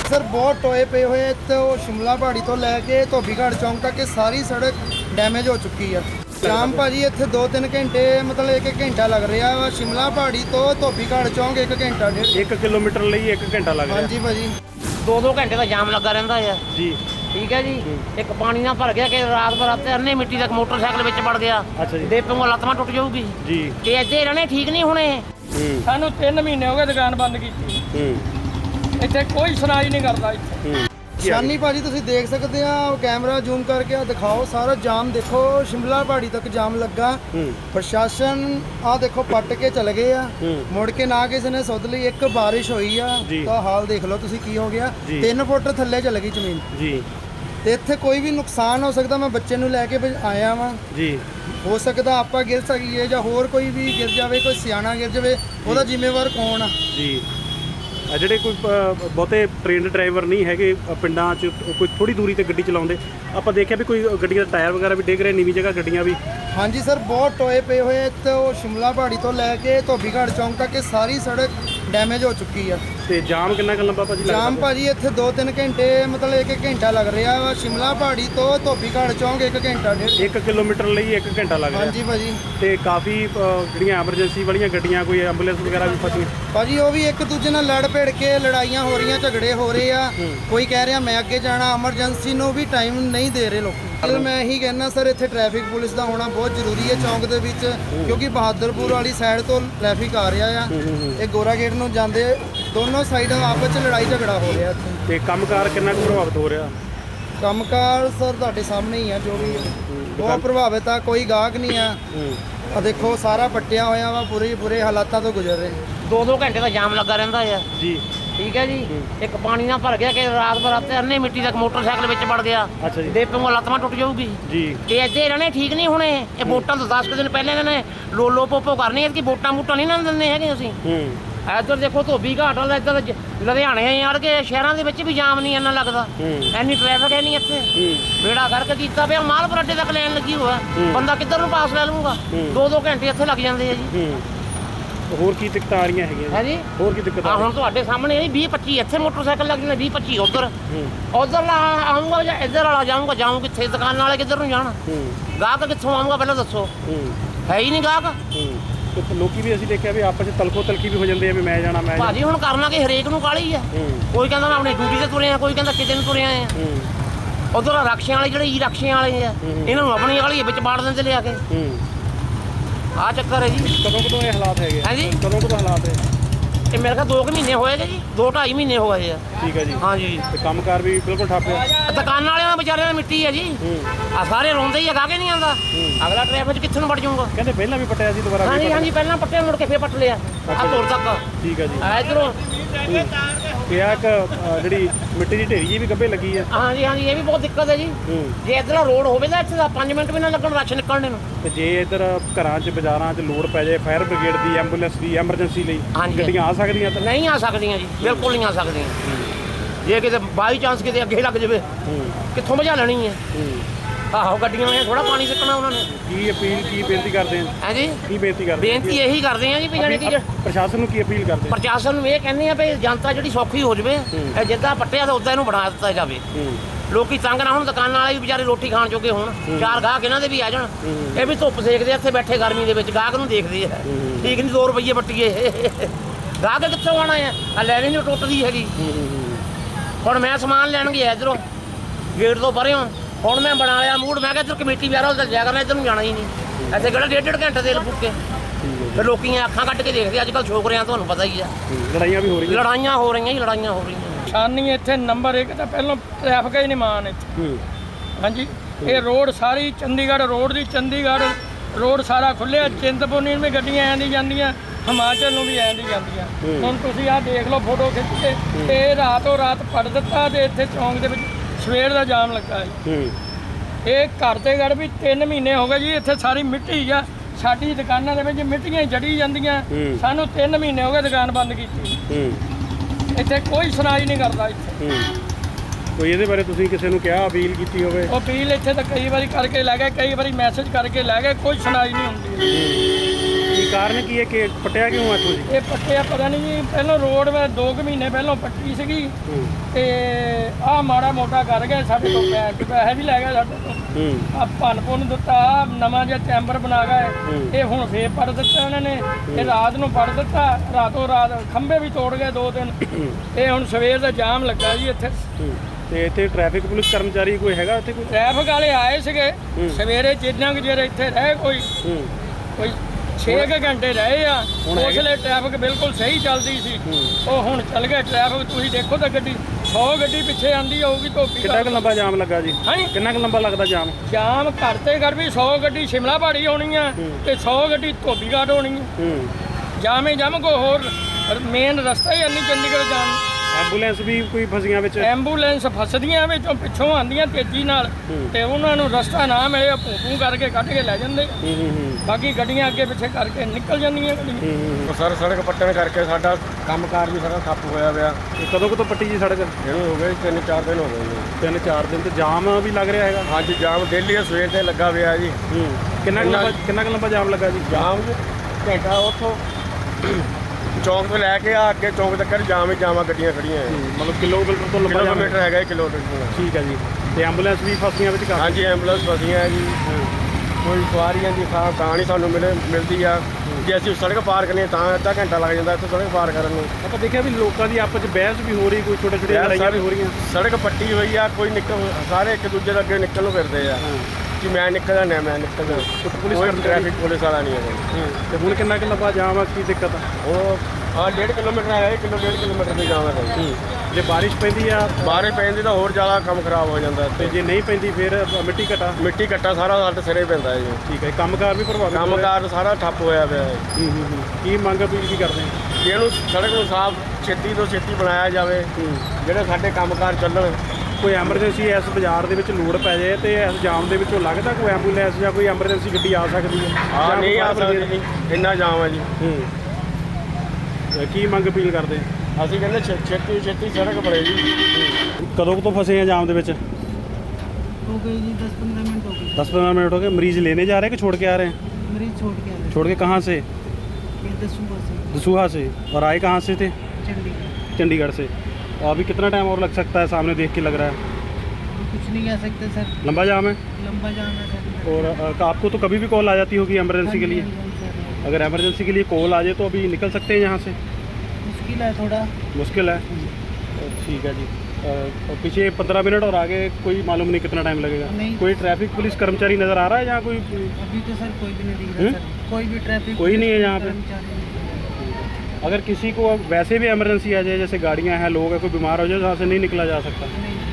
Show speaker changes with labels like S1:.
S1: Sir बहुत टोए पे हुए तो शिमला पहाड़ी तो लैके धोबीघाट चौंक तक ये सारी सड़क डैमेज हो चुकी है। जाम भाजी इत्थे 2-3 घंटे मतलब 1 घंटा लग रहा वा। शिमला पहाड़ी तो धोबीघाट चौंक 1 घंटा
S2: 1 किलोमीटर ਲਈ 1 ਘੰਟਾ ਲੱਗ ਰਿਹਾ।
S1: हाँ जी भाजी
S3: 2-2 ਘੰਟੇ ਦਾ ਜਾਮ ਲੱਗਾ ਰਹਿੰਦਾ ਆ
S2: ਜੀ
S3: ਠੀਕ ਹੈ ਜੀ। ਇੱਕ ਪਾਣੀ ਨਾਲ ਭਰ ਗਿਆ ਕਿ ਰਾਤ ਬਰਾਤ ਤੇ ਅੰਨੇ ਮਿੱਟੀ ਤੱਕ ਮੋਟਰਸਾਈਕਲ ਵਿੱਚ ਵੜ ਗਿਆ।
S2: ਅੱਛਾ ਜੀ।
S3: ਡੇਪੋਂ ਲੱਤਾਂ ਟੁੱਟ ਜਾਊਗੀ
S2: ਜੀ
S3: ਤੇ ਇੱਥੇ ਰਹਿਣੇ ਠੀਕ ਨਹੀਂ ਹੋਣੇ।
S4: ਸਾਨੂੰ 3 ਮਹੀਨੇ ਹੋ ਗਏ ਦੁਕਾਨ ਬੰਦ ਕੀਤੀ। ਇੱਥੇ ਕੋਈ ਸੁਣਾਈ ਨਹੀਂ ਕਰਦਾ ਇੱਥੇ।
S1: शानी भाजी तुसी देख सकते हैं कैमरा जूम करके दिखाओ सारा जाम देखो शिमला पहाड़ी तक जाम लगा। प्रशासन आ देखो पट के चल गए आ मुड़ के ना किसी ने सुध ली। एक बारिश हुई है तो हाल देख लो तुसी की हो गया 3 फुट थल्ले चल गई जमीन
S2: जी।
S1: ਤੇ ਇੱਥੇ ਕੋਈ ਵੀ ਨੁਕਸਾਨ ਹੋ ਸਕਦਾ। ਮੈਂ ਬੱਚੇ ਨੂੰ ਲੈ ਕੇ ਆਇਆ ਵਾਂ
S2: ਜੀ।
S1: ਹੋ ਸਕਦਾ ਆਪਾਂ ਗਿਰ ਸਕੀਏ ਜਾਂ ਹੋਰ ਕੋਈ ਵੀ ਗਿਰ ਜਾਵੇ, ਕੋਈ ਸਿਆਣਾ ਗਿਰ ਜਾਵੇ, ਉਹਦਾ ਜ਼ਿੰਮੇਵਾਰ ਕੌਣ ਆ
S2: ਜੀ। ਜਿਹੜੇ ਕੋਈ ਬਹੁਤੇ ਟ੍ਰੇਨਡ ਡਰਾਈਵਰ ਨਹੀਂ ਹੈਗੇ ਪਿੰਡਾਂ 'ਚ ਕੋਈ ਥੋੜੀ ਦੂਰੀ ਤੇ ਗੱਡੀ ਚਲਾਉਂਦੇ ਆਪਾਂ ਦੇਖਿਆ ਵੀ ਕੋਈ ਗੱਡੀਆਂ ਦਾ ਟਾਇਰ ਵਗੈਰਾ ਵੀ ਡਿੱਗ ਰਹੇ ਨੀਵੀਂ ਜਗ੍ਹਾ ਗੱਡੀਆਂ ਵੀ।
S1: ਹਾਂਜੀ ਸਰ ਬਹੁਤ ਟੋਏ ਪਏ ਹੋਏ ਤੇ ਉਹ ਸ਼ਿਮਲਾ ਪਹਾੜੀ ਤੋਂ ਲੈ ਕੇ ਧੋਬੀਘਾਟ ਚੌਂਕ ਤੱਕ ਇਹ ਸਾਰੀ ਸੜਕ ਡੈਮੇਜ ਹੋ ਚੁੱਕੀ ਆ।
S2: ਤੇ ਜਾਮ ਕਿੰਨਾ ਕੁ ਲੰਬਾ ਭਾਜੀ ਲੱਗਦਾ?
S1: ਜਾਮ ਭਾਜੀ ਇੱਥੇ 2-3 ਘੰਟੇ ਮਤਲਬ 1 ਘੰਟਾ ਲੱਗ ਰਿਹਾ ਵਾ। ਸ਼ਿਮਲਾ ਪਹਾੜੀ ਤੋਂ ਧੋਬੀਘਾਟ ਚੌਂਕ 1 ਘੰਟਾ
S2: 1 ਕਿਲੋਮੀਟਰ ਲਈ 1 ਘੰਟਾ ਲੱਗ ਰਿਹਾ।
S1: ਹਾਂਜੀ ਭਾਜੀ।
S2: ਤੇ ਕਾਫੀ ਜਿਹੜੀਆਂ ਐਮਰਜੈਂਸੀ ਵਾਲੀਆਂ ਗੱਡੀਆਂ ਕੋਈ ਐਂਬੂਲੈਂਸ ਵਗੈਰਾ ਵੀ ਫਸੀ
S1: ਭਾਜੀ ਉਹ ਵੀ ਇੱਕ ਦੂਜੇ ਨਾਲ ਲੜ ਭਿੜ ਕੇ ਲੜਾਈਆਂ ਹੋ ਰਹੀਆਂ, ਝਗੜੇ ਹੋ ਰਹੇ ਆ। ਕੋਈ ਕਹਿ ਰਿਹਾ ਮੈਂ ਅੱਗੇ ਜਾਣਾ, ਐਮਰਜੈਂਸੀ ਨੂੰ ਵੀ ਟਾਈਮ ਨਹੀਂ ਦੇ ਰਹੇ ਲੋਕੀ। ਮੈਂ ਇਹੀ ਕਹਿਣਾ ਸਰ ਇੱਥੇ ਟ੍ਰੈਫਿਕ ਪੁਲਿਸ ਦਾ ਹੋਣਾ ਬਹੁਤ ਜ਼ਰੂਰੀ ਹੈ ਚੌਂਕ ਦੇ ਵਿੱਚ, ਕਿਉਂਕਿ ਬਹਾਦਰਪੁਰ ਵਾਲੀ ਸਾਈਡ ਤੋਂ ਟ੍ਰੈਫਿਕ ਆ ਰਿਹਾ ਆ। ਇਹ ਗੋਰਾ ਗੇਟ ਨੂੰ ਜਾਂਦੇ ਦੋਨੋਂ ਸਾਈਡਾਂ ਆਪਸ 'ਚ ਲੜਾਈ ਝਗੜਾ ਹੋ ਰਿਹਾ ਇੱਥੇ।
S2: ਤੇ ਕੰਮਕਾਰ ਕਿੰਨਾ ਕੁ ਪ੍ਰਭਾਵਿਤ ਹੋ ਰਿਹਾ?
S1: ਕੰਮਕਾਰ ਸਰ ਤੁਹਾਡੇ ਸਾਹਮਣੇ ਹੀ ਆ ਜੋ ਵੀ ਬਹੁਤ ਪ੍ਰਭਾਵਿਤ ਆ। ਕੋਈ ਗਾਹਕ ਨਹੀਂ ਆ। ਆ ਦੇਖੋ ਸਾਰਾ ਪੱਟਿਆ ਹੋਇਆ ਵਾ, ਬੁਰੇ ਹਾਲਾਤਾਂ ਤੋਂ ਗੁਜ਼ਰ ਰਹੇ।
S3: 2-2 ਘੰਟੇ ਦਾ ਜਾਮ ਲੱਗਾ ਰਹਿੰਦਾ ਆ
S2: ਜੀ
S3: ਠੀਕ ਹੈ ਜੀ। ਇੱਕ ਪਾਣੀ ਨਾਲ ਭਰ ਗਿਆ ਕਿ ਰਾਤ ਬਰਾਤ ਤੇ ਅੰਨੇ ਮਿੱਟੀ ਤੱਕ ਮੋਟਰਸਾਈਕਲ ਵਿੱਚ ਵੜ ਗਿਆ।
S2: ਅੱਛਾ ਜੀ।
S3: ਡੇਪੋਂ ਲੱਤਾਂ ਟੁੱਟ ਜਾਊਗੀ
S2: ਜੀ।
S3: ਤੇ ਇੱਥੇ ਰਹਿਣੇ ਠੀਕ ਨਹੀਂ ਹੋਣੇ। ਇਹ ਵੋਟਾਂ ਤੋਂ 10 ਦਿਨ ਪਹਿਲੇ ਇਹਨਾਂ ਨੇ ਲੋਲੋ ਪੋਪੋ ਕਰਨੀ ਹੈ ਕਿ ਵੋਟਾਂ ਨਹੀਂ ਨਾ ਦਿੰਦੇ ਹੈਗੇ ਅਸੀਂ। ਇੱਧਰ ਦੇਖੋ ਧੋਬੀਘਾਟ ਵਾਲਾ, ਇੱਧਰ ਲੁਧਿਆਣੇ ਆੜ ਕੇ ਸ਼ਹਿਰਾਂ ਦੇ ਵਿੱਚ ਵੀ ਜਾਮ ਨਹੀਂ ਇੰਨਾ ਲੱਗਦਾ। ਇੰਨੀ ਟ੍ਰੈਫਿਕ ਹੈ ਨਹੀਂ ਇੱਥੇ। ਬੇੜਾ ਕਰਕੇ ਕੀਤਾ ਪਿਆ, ਮਾਲਪੁਰ ਅੱਡੇ ਤੱਕ ਲੈਣ ਲੱਗੀ ਹੋਇਆ। ਬੰਦਾ ਕਿੱਧਰ ਨੂੰ ਪਾਸ ਲੈ ਲੂਗਾ? 2-2 ਘੰਟੇ ਇੱਥੇ ਲੱਗ ਜਾਂਦੇ ਆ ਜੀ।
S2: ਹੋਰ ਕੀ ਦਿੱਕਤਾਂ ਆ ਰਹੀਆਂ ਹੈਗੀਆਂ?
S3: ਹੈ ਜੀ
S2: ਹੋਰ ਕੀ ਦਿੱਕਤਾਂ?
S3: ਹੁਣ ਤੁਹਾਡੇ ਸਾਹਮਣੇ 20-25 ਇੱਥੇ ਮੋਟਰਸਾਈਕਲ ਲੱਗ ਜਾਂਦੇ, 20-25 ਉਧਰ ਆਉਂਗਾ ਜਾਂ ਇੱਧਰ ਵਾਲਾ ਜਾਊਂਗਾ। ਜਾਊਂ ਕਿੱਥੇ? ਦੁਕਾਨ ਵਾਲੇ ਕਿੱਧਰ ਨੂੰ ਜਾਣ? ਗਾਹਕ ਕਿੱਥੋਂ ਆਊਂਗਾ ਪਹਿਲਾਂ ਦੱਸੋ? ਹੈ ਹੀ ਨਹੀਂ ਗਾਹਕ।
S2: ਤੇ ਲੋਕੀ ਵੀ ਅਸੀਂ ਦੇਖਿਆ ਵੀ ਆਪਸ 'ਚ ਤਲਕੋ ਤਲਕੀ ਵੀ ਹੋ ਜਾਂਦੇ ਆ ਵੀ ਮੈਂ ਜਾਣਾ ਮੈਂ
S3: ਭਾਜੀ ਹੁਣ ਕਰਨਾ ਕਿ ਹਰੇਕ ਨੂੰ ਕਾਹਲੀ ਆ। ਕੋਈ ਕਹਿੰਦਾ ਮੈਂ ਆਪਣੀ ਡਿਊਟੀ ਤੇ ਤੁਰਿਆ, ਕੋਈ ਕਹਿੰਦਾ ਕਿਤੇ ਨੂੰ ਤੁਰਿਆ ਆ। ਉਧਰ ਰਕਸ਼ਿਆਂ ਵਾਲੇ ਜਿਹੜੇ ਰਕਸ਼ਿਆਂ ਵਾਲੇ ਆ ਇਹਨਾਂ ਨੂੰ ਆਪਣੀ ਵਾਲੀ ਵਿੱਚ ਬਾੜ ਦਿੰਦੇ ਲਿਆ ਕੇ। ਆ ਚੱਕਰ ਹੈ ਜੀ।
S2: ਕਦੋਂ ਇਹ ਹਾਲਾਤ ਹੈਗੇ?
S3: ਹੈ ਜੀ।
S2: ਕਦੋਂ ਹਾਲਾਤ ਹੈ?
S3: ਇਹ ਮੇਰੇ ਖਿਆਲ 2 ਮਹੀਨੇ ਹੋਏ ਜੀ, 2-2.5 ਮਹੀਨੇ ਹੋਏ ਆ।
S2: ਠੀਕ ਹੈ ਜੀ।
S3: ਹਾਂਜੀ।
S2: ਤੇ ਕੰਮਕਾਰ ਵੀ ਬਿਲਕੁਲ ਠੱਪ ਹੈ।
S3: ਦੁਕਾਨ ਵਾਲਿਆਂ ਦਾ ਵਿਚਾਰਿਆਂ ਦਾ ਮਿੱਟੀ ਹੈ ਜੀ। ਆ ਸਾਰੇ ਰੋਂਦੇ ਹੀ ਆ, ਗਾਹਕ ਨਹੀਂ ਆਉਂਦਾ। ਅਗਲਾ ਟ੍ਰੈਫਿਕ 'ਚ ਕਿੱਥੇ ਨੂੰ ਵੜ ਜਾਊਗਾ?
S2: ਕਹਿੰਦੇ ਪਹਿਲਾਂ ਵੀ ਪੱਟਿਆ ਸੀ ਦੁਬਾਰਾ?
S3: ਹਾਂਜੀ ਪਹਿਲਾਂ ਪੱਟਿਆ, ਮੁੜ ਕੇ ਫੇਰ ਪੱਟ ਲਿਆ ਆ ਤੋੜ ਤੱਕ।
S2: ਠੀਕ ਹੈ ਜੀ।
S3: ਇਧਰੋਂ
S2: ਇਹ ਆ ਇੱਕ ਜਿਹੜੀ ਮਿੱਟੀ ਦੀ ਢੇਰੀ ਵੀ ਗੱਭੇ ਲੱਗੀ ਆ।
S3: ਹਾਂਜੀ ਇਹ ਵੀ ਬਹੁਤ ਦਿੱਕਤ ਹੈ ਜੀ। ਜੇ ਇੱਧਰ ਰੋਡ ਹੋਵੇ ਤਾਂ ਇੱਥੇ 5 ਮਿੰਟ ਵੀ ਨਾ ਲੱਗਣ ਰਸ਼ ਨਿਕਲਣੇ ਨੂੰ।
S2: ਤੇ ਜੇ ਇੱਧਰ ਘਰਾਂ 'ਚ ਬਾਜ਼ਾਰਾਂ 'ਚ ਲੋੜ ਪੈ ਜਾਏ ਫਾਇਰ ਬ੍ਰਿਗੇਡ ਦੀ, ਐਂਬੂਲੈਂਸ ਦੀ, ਐਮਰਜੈਂਸੀ ਲਈ ਗੱਡੀਆਂ ਆ ਸਕਦੀਆਂ? ਤਾਂ
S3: ਨਹੀਂ ਆ ਸਕਦੀਆਂ ਜੀ, ਬਿਲਕੁਲ ਨਹੀਂ ਆ ਸਕਦੀਆਂ। ਜੇ ਕਿਤੇ ਬਾਈ ਚਾਂਸ ਕਿਤੇ ਅੱਗੇ ਲੱਗ ਜਾਵੇ ਕਿੱਥੋਂ ਭਜਾ ਲੈਣੀ ਹੈ? ਆਹੋ ਗੱਡੀਆਂ ਨੇ ਥੋੜਾ ਪਾਣੀ ਸਿੱਟਣਾ ਉਹਨਾਂ ਨੇ।
S2: ਕੀ ਅਪੀਲ ਕੀ ਬੇਨਤੀ ਕਰਦੇ ਆ?
S3: ਹੈ ਜੀ।
S2: ਕੀ ਬੇਨਤੀ ਕਰਦੇ?
S3: ਬੇਨਤੀ ਇਹੀ ਕਰਦੇ ਆ ਜੀ ਵੀ ਜਾਣੀ ਕਿ
S2: ਪ੍ਰਸ਼ਾਸਨ ਨੂੰ ਕੀ ਅਪੀਲ ਕਰਦੇ?
S3: ਪ੍ਰਸ਼ਾਸਨ ਨੂੰ ਇਹ ਕਹਿੰਦੇ ਆ ਵੀ ਜਨਤਾ ਜਿਹੜੀ ਸੌਖੀ ਹੋ ਜਾਵੇ। ਇਹ ਜਿੱਦਾਂ ਪੱਟਿਆ ਤਾਂ ਉਦਾਂ ਇਹਨੂੰ ਬਣਾ ਦਿੱਤਾ ਜਾਵੇ। ਲੋਕੀ ਤੰਗ ਨਾ ਹੁਣ, ਦੁਕਾਨਾਂ ਵਾਲੇ ਵੀ ਵਿਚਾਰੇ ਰੋਟੀ ਖਾਣ ਜੋਗੇ ਹੋਣ। 4 ਗਾਹਕ ਇਹਨਾਂ ਦੇ ਵੀ ਆ ਜਾਣ। ਇਹ ਵੀ ਧੁੱਪ ਸੇਕਦੇ ਇੱਥੇ ਬੈਠੇ ਗਰਮੀ ਦੇ ਵਿੱਚ, ਗਾਹਕ ਨੂੰ ਦੇਖਦੇ ਆ। ਠੀਕ ਨਹੀਂ 2 ਰੁਪਈਏ ਵੱਟੀਏ ਗਾਹਕ ਕਿੱਥੋਂ ਆਉਣਾ ਆ? ਲੈਣੀ ਨਹੀਂ ਟੁੱਟਦੀ ਹੈਗੀ। ਹੁਣ ਮੈਂ ਸਮਾਨ ਲੈਣ ਗਿਆ ਇੱਧਰੋਂ ਗੇਟ ਤੋਂ ਪਰਿਓਂ। ਹੁਣ ਮੈਂ ਬਣਾ ਲਿਆ ਮੂਡ, ਮੈਂ ਕਿਹਾ ਇੱਧਰ ਕਮੇਟੀ ਵਿਆਹ ਉੱਧਰ ਜਾ ਕਰਨਾ, ਇੱਧਰ ਨੂੰ ਜਾਣਾ ਹੀ ਨਹੀਂ। ਇੱਥੇ ਕਿਹੜਾ 1.5 ਘੰਟੇ ਤੇਲ ਫੂਕੇ। ਫਿਰ ਲੋਕੀ ਅੱਖਾਂ ਕੱਢ ਕੇ ਦੇਖਦੇ ਅੱਜ ਕੱਲ੍ਹ ਛੋਕਰਿਆਂ, ਤੁਹਾਨੂੰ ਪਤਾ ਹੀ ਆ।
S2: ਲੜਾਈਆਂ ਵੀ ਹੋ ਰਹੀਆਂ।
S3: ਲੜਾਈਆਂ ਹੋ ਰਹੀਆਂ।
S4: ਸ਼ਾਨੀ ਇੱਥੇ ਨੰਬਰ 1 ਤਾਂ ਪਹਿਲਾਂ ਟ੍ਰੈਫਿਕ ਹੀ ਨਹੀਂ ਮਾਨ ਇੱਥੇ। ਹਾਂਜੀ ਇਹ ਰੋਡ ਸਾਰੀ ਚੰਡੀਗੜ੍ਹ ਰੋਡ ਦੀ, ਚੰਡੀਗੜ੍ਹ ਰੋਡ ਸਾਰਾ ਖੁੱਲਿਆ। ਚਿੰਤਪੁਰਨੀ ਨੂੰ ਵੀ ਗੱਡੀਆਂ ਆਂਦੀ ਜਾਂਦੀਆਂ, ਹਿਮਾਚਲ ਨੂੰ ਵੀ ਆਂਦੀ ਜਾਂਦੀਆਂ। ਹੁਣ ਤੁਸੀਂ ਆਹ ਦੇਖ ਲਓ ਫੋਟੋ ਖਿੱਚ ਕੇ। ਤੇ ਰਾਤੋਂ ਰਾਤ ਪੜ ਦਿੱਤਾ ਤੇ ਇੱਥੇ ਚੌਂਕ ਦੇ ਵਿੱਚ ਸਵੇਰ ਦਾ ਜਾਮ ਲੱਗਾ ਹੈ। ਇਹ ਘਰ ਤੇ ਘਰ ਵੀ 3 ਮਹੀਨੇ ਹੋ ਗਏ ਜੀ। ਇੱਥੇ ਸਾਰੀ ਮਿੱਟੀ ਆ। ਸਾਡੀ ਦੁਕਾਨਾਂ ਦੇ ਵਿੱਚ ਮਿੱਟੀਆਂ ਜੜੀ ਜਾਂਦੀਆਂ। ਸਾਨੂੰ 3 ਮਹੀਨੇ ਹੋ ਗਏ ਦੁਕਾਨ ਬੰਦ ਕੀਤੀ। ਇੱਥੇ ਕੋਈ ਸੁਣਾਈ ਨਹੀਂ ਕਰਦਾ ਇੱਥੇ।
S2: ਕੋਈ ਇਹਦੇ ਬਾਰੇ ਤੁਸੀਂ ਕਿਸੇ ਨੂੰ ਕਿਹਾ, ਅਪੀਲ ਕੀਤੀ ਹੋਵੇ?
S4: ਉਹ ਅਪੀਲ ਇੱਥੇ ਤਾਂ ਕਈ ਵਾਰੀ ਕਰਕੇ ਲੈ ਗਏ, ਕਈ ਵਾਰੀ ਮੈਸੇਜ ਕਰਕੇ ਲੈ ਗਏ, ਕੋਈ ਸੁਣਾਈ ਨਹੀਂ ਹੁੰਦੀ।
S2: ਕਾਰਨ ਕੀ ਹੈ ਕਿ ਪਟਿਆ ਕਿਉਂ ਇੱਥੋਂ ਜੀ?
S4: ਇਹ ਪੱਟਿਆ ਪਤਾ ਨਹੀਂ ਜੀ, ਪਹਿਲਾਂ ਰੋਡ ਮੈਂ 2 ਮਹੀਨੇ ਪਹਿਲਾਂ ਪੱਟੀ ਸੀਗੀ ਤੇ ਆਹ ਮਾੜਾ ਮੋਟਾ ਕਰ ਗਏ ਸਾਡੇ ਤੋਂ, ਪੈਸੇ ਵੀ ਲੈ ਗਏ ਸਾਡੇ ਤੋਂ। ਆ ਭੰਨ ਭੁੰਨ ਦਿੱਤਾ, ਆਹ ਨਵਾਂ ਜਿਹਾ ਚੈਂਬਰ ਬਣਾ ਗਏ, ਇਹ ਹੁਣ ਫੇਰ ਪੜ ਦਿੱਤਾ ਇਹਨਾਂ ਨੇ। ਇਹ ਰਾਤ ਨੂੰ ਪੜ ਦਿੱਤਾ, ਰਾਤੋਂ ਰਾਤ ਖੰਭੇ ਵੀ ਤੋੜ ਗਏ 2-3। ਇਹ ਹੁਣ ਸਵੇਰ ਦਾ ਜਾਮ ਲੱਗਾ ਜੀ ਇੱਥੇ।
S2: ਤੇ ਇੱਥੇ ਟ੍ਰੈਫਿਕ ਪੁਲਿਸ ਕਰਮਚਾਰੀ ਕੋਈ ਹੈਗਾ ਇੱਥੇ ਕੋਈ?
S4: ਟ੍ਰੈਫਿਕ ਵਾਲੇ ਆਏ ਸੀਗੇ ਸਵੇਰੇ, ਜਿੰਨਾ ਕੁ ਚਿਰ ਇੱਥੇ ਰਹੇ ਕੋਈ 6 ਘੰਟੇ ਰਹੇ ਆ। ਉਸ ਵੇਲੇ ਟ੍ਰੈਫਿਕ ਬਿਲਕੁਲ ਸਹੀ ਚੱਲਦੀ ਸੀ, ਉਹ ਹੁਣ ਚੱਲ ਗਿਆ ਟ੍ਰੈਫਿਕ। ਤੁਸੀਂ ਦੇਖੋ ਤਾਂ ਗੱਡੀ 100 ਗੱਡੀ ਪਿੱਛੇ ਆਂਦੀ ਹੋਊਗੀ ਧੋਬੀ।
S2: ਕਿੰਨਾ ਕੁ ਲੰਬਾ ਜਾਮ ਲੱਗਾ ਜੀ?
S4: ਹਾਂਜੀ,
S2: ਕਿੰਨਾ ਕੁ ਲੰਬਾ ਲੱਗਦਾ ਜਾਮ?
S4: ਜਾਮ ਘਰ ਤੇ ਘਰ ਵੀ 100 ਗੱਡੀ ਸ਼ਿਮਲਾ ਪਹਾੜੀ ਹੋਣੀ ਆ ਤੇ 100 ਗੱਡੀ ਧੋਬੀ ਘਾਟ ਹੋਣੀ ਆ। ਜਾਮੇ ਜਾਮ ਕੋ ਹੋਰ ਮੇਨ ਰਸਤਾ ਹੀ ਨਹੀਂ ਚੰਡੀਗੜ੍ਹ ਜਾਣ।
S2: ਐਂਬੂਲੈਂਸ ਵੀ ਕੋਈ ਫਸੀਆਂ ਵਿੱਚ?
S4: ਐਂਬੂਲੈਂਸ ਫਸਦੀਆਂ ਵਿੱਚੋਂ, ਪਿੱਛੋਂ ਆਉਂਦੀਆਂ ਤੇਜ਼ੀ ਨਾਲ ਤੇ ਉਹਨਾਂ ਨੂੰ ਰਸਤਾ ਨਾ ਮਿਲੇ, ਭੂੰ ਕਰਕੇ ਕੱਢ ਕੇ ਲੈ ਜਾਂਦੇ। ਬਾਕੀ ਗੱਡੀਆਂ ਅੱਗੇ ਪਿੱਛੇ ਕਰਕੇ ਨਿਕਲ ਜਾਂਦੀਆਂ ਗੱਡੀਆਂ।
S5: ਸਰ ਸੜਕ ਪੱਟਣ ਕਰਕੇ ਸਾਡਾ ਕੰਮਕਾਰ ਵੀ ਸਾਰਾ ਠੱਪ ਹੋਇਆ ਪਿਆ।
S2: ਕਦੋਂ ਕਦੋਂ ਪੱਟੀ ਜੀ ਸੜਕ?
S5: ਇਹਨੂੰ ਹੋ ਗਏ 3-4 ਦਿਨ ਹੋ ਗਏ ਜੀ।
S2: 3-4 ਦਿਨ ਤੇ ਜਾਮ ਵੀ ਲੱਗ ਰਿਹਾ ਹੈਗਾ?
S5: ਹਾਂਜੀ, ਜਾਮ ਡੇਲੀ ਸਵੇਰ ਤੇ ਲੱਗਾ ਪਿਆ ਜੀ।
S2: ਕਿੰਨਾ ਕੁ ਲੰਬਾ ਜਾਮ ਲੱਗਾ ਜੀ?
S5: ਜਾਮ ਜੀ ਘੰਟਾ ਉੱਥੋਂ ਚੌਂਕ ਤੋਂ ਲੈ ਕੇ ਆ ਅੱਗੇ ਚੌਂਕ ਤੱਕ ਜਾਮ ਹੀ ਜਾਮਾਂ ਗੱਡੀਆਂ ਖੜੀਆਂ ਹੈ।
S2: ਮਤਲਬ ਕਿਲੋਮੀਟਰ ਤੋਂ ਲੰਬਾ ਜਾਮ?
S5: ਕਿਲੋਮੀਟਰ ਹੈਗਾ, ਕਿਲੋਮੀਟਰ।
S2: ਠੀਕ ਹੈ ਜੀ। ਤੇ ਐਂਬੂਲੈਂਸ ਵੀ ਫਸੀਆਂ ਵਿੱਚ ਕਾਫੀ?
S5: ਹਾਂਜੀ, ਐਂਬੂਲੈਂਸ ਫਸੀਆਂ ਹੈ ਜੀ। ਕੋਈ ਸਵਾਰੀਆਂ ਦੀ ਥਾਂ ਤਾਂ ਨਹੀਂ ਸਾਨੂੰ ਮਿਲਦੀ ਆ। ਜੇ ਅਸੀਂ ਸੜਕ ਪਾਰ ਕਰਨੀ ਤਾਂ ਅੱਧਾ ਘੰਟਾ ਲੱਗ ਜਾਂਦਾ ਇੱਥੇ ਸੜਕ ਪਾਰ ਕਰਨ ਨੂੰ।
S2: ਆਪਾਂ ਦੇਖਿਆ ਵੀ ਲੋਕਾਂ ਦੀ ਆਪਸ ਵਿੱਚ ਬਹਿਸ ਵੀ ਹੋ ਰਹੀ, ਕੋਈ ਛੋਟੇ ਛੋਟੇ ਲੜਾਈਆਂ ਵੀ ਹੋ ਰਹੀਆਂ।
S5: ਸੜਕ ਪੱਟੀ ਹੋਈ ਆ, ਕੋਈ ਸਾਰੇ ਇੱਕ ਦੂਜੇ ਦੇ ਅੱਗੇ ਨਿਕਲ ਨੂੰ ਫਿਰਦੇ ਆ ਕਿ ਮੈਂ ਨਿਕਲਦਾ ਨਾ ਮੈਂ ਨਿਕਲਦਾ। ਪੁਲਿਸ ਟ੍ਰੈਫਿਕ ਪੁਲਿਸ ਵਾਲਾ ਨਹੀਂ ਹੈ।
S2: ਤੇ ਹੁਣ ਕਿੰਨਾ ਕੁ ਲੰਬਾ ਜਾਮ ਆ, ਕੀ ਦਿੱਕਤ ਆ?
S5: ਉਹ 1.5 ਕਿਲੋਮੀਟਰ ਹੈ, 1.5 ਕਿਲੋਮੀਟਰ ਤੇ ਜਾਣਾ ਹੈ।
S2: ਜੇ ਬਾਰਿਸ਼ ਪੈਂਦੀ ਆ?
S5: ਬਾਹਰੇ ਪੈਂਦੀ ਤਾਂ ਹੋਰ ਜ਼ਿਆਦਾ ਕੰਮ ਖਰਾਬ ਹੋ ਜਾਂਦਾ।
S2: ਤੇ ਜੇ ਨਹੀਂ ਪੈਂਦੀ ਫਿਰ ਮਿੱਟੀ ਘਟਾ?
S5: ਮਿੱਟੀ ਘੱਟਾ ਸਾਰਾ ਸਾਡੇ ਸਿਰੇ ਪੈਂਦਾ ਹੈ ਜੀ।
S2: ਠੀਕ ਹੈ। ਕੰਮਕਾਰ ਵੀ ਪ੍ਰਭਾਵਿਤ?
S5: ਕੰਮਕਾਰ ਸਾਰਾ ਠੱਪ ਹੋਇਆ ਪਿਆ ਹੈ।
S2: ਕੀ ਮੰਗ ਅਪੀਲ ਕੀ ਕਰਦੇ ਆ?
S5: ਕਿ ਇਹਨੂੰ ਸੜਕ ਨੂੰ ਸਾਫ਼ ਛੇਤੀ ਤੋਂ ਛੇਤੀ ਬਣਾਇਆ ਜਾਵੇ, ਜਿਹੜੇ ਸਾਡੇ ਕੰਮਕਾਰ ਚੱਲਣ।
S2: ਕੋਈ ਐਮਰਜੈਂਸੀ ਇਸ ਬਾਜ਼ਾਰ ਦੇ ਵਿੱਚ ਲੋੜ ਪੈ ਜਾਏ ਤੇ ਇਸ ਜਾਮ ਦੇ ਵਿੱਚੋਂ ਲੱਗਦਾ ਕੋਈ ਐਂਬੂਲੈਂਸ ਜਾਂ ਕੋਈ ਐਮਰਜੈਂਸੀ ਗੱਡੀ ਆ ਸਕਦੀ ਹੈ?
S5: ਨਹੀਂ ਆ ਸਕਦੀ, ਇੰਨਾ ਜਾਮ ਹੈ ਜੀ।
S2: ਕੀ ਮੰਗ ਅਪੀਲ ਕਰਦੇ?
S5: ਅਸੀਂ ਕਹਿੰਦੇ ਛੇਤੀ ਛੇਤੀ ਸੜਕ ਬਣੇ ਜੀ।
S2: ਕਦੋਂ ਤੋਂ ਫਸੇ ਆ ਜਾਮ ਦੇ ਵਿੱਚ?
S6: हो गई जी 10-15 मिनट हो गए।
S2: 10-15 मिनट हो गए। मरीज लेने जा रहे हैं कि छोड़ के आ रहे हैं?
S6: मरीज छोड़ के आ रहे
S2: छोड़ के कहाँ से?
S6: हैं ये सुबह से
S2: दसूहा से। और आए कहाँ से थे?
S6: चंडीगढ़।
S2: चंडीगढ़ से। और अभी कितना टाइम और लग सकता है? सामने देख के लग रहा है
S6: कुछ नहीं कह सकते सर,
S2: लंबा जाम है।
S6: लंबा जाम है सर।
S2: और आपको तो कभी भी कॉल आ जाती होगी एमरजेंसी के लिए? अगर एमरजेंसी के लिए कॉल आ जाए तो अभी निकल सकते हैं यहाँ से?
S6: मुश्किल है थोड़ा।
S2: मुश्किल है। ठीक है जी। और पीछे 15 मिनट और आगे कोई मालूम नहीं कितना टाइम लगेगा?
S6: नहीं।
S2: कोई ट्रैफिक पुलिस कर्मचारी नज़र आ रहा है यहाँ? कोई
S6: अभी तो सर कोई भी नहीं दिख रहा सर, कोई भी ट्रैफिक
S2: कोई नहीं है यहाँ पे?
S6: कर्मचारी नहीं।
S2: अगर किसी को वैसे भी एमरजेंसी आ जाए, जैसे गाड़ियाँ हैं, लोग हैं, कोई बीमार हो जाए, तो यहाँ से नहीं निकला जा सकता?
S6: नहीं